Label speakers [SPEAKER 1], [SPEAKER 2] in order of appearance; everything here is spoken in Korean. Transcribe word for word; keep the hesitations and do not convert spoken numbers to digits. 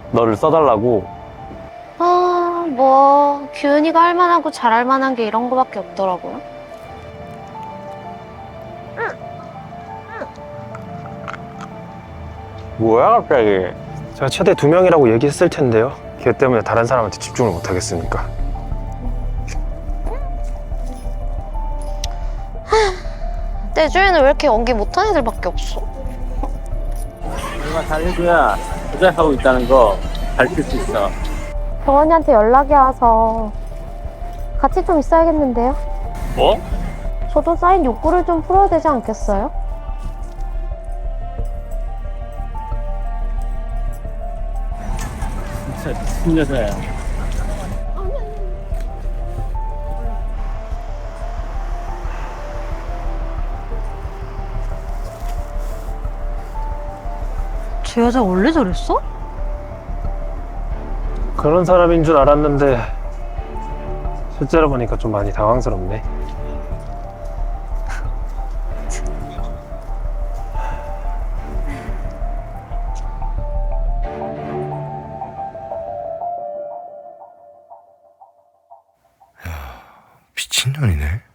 [SPEAKER 1] 너를 써달라고.
[SPEAKER 2] 아, 뭐 규은이가 할 만하고 잘할 만한 게 이런 거밖에 없더라고요.
[SPEAKER 1] 뭐야 갑자기.
[SPEAKER 3] 제가 최대 두 명이라고 얘기했을 텐데요. 걔 때문에 다른 사람한테 집중을 못 하겠으니까.
[SPEAKER 2] 내 주위에는 왜 이렇게 연기 못한 애들밖에 없어?
[SPEAKER 4] 내가 잘해줘야 도전하고 있다는 거 밝힐 수 있어.
[SPEAKER 2] 병원이한테 연락이 와서 같이 좀 있어야겠는데요?
[SPEAKER 4] 뭐?
[SPEAKER 2] 저도 쌓인 욕구를 좀 풀어야 되지 않겠어요?
[SPEAKER 4] 진짜 미친 여자야.
[SPEAKER 2] 저 여자 원래 저랬어?
[SPEAKER 3] 그런 사람인 줄 알았는데 실제로 보니까 좀 많이 당황스럽네.
[SPEAKER 5] 미친년이네.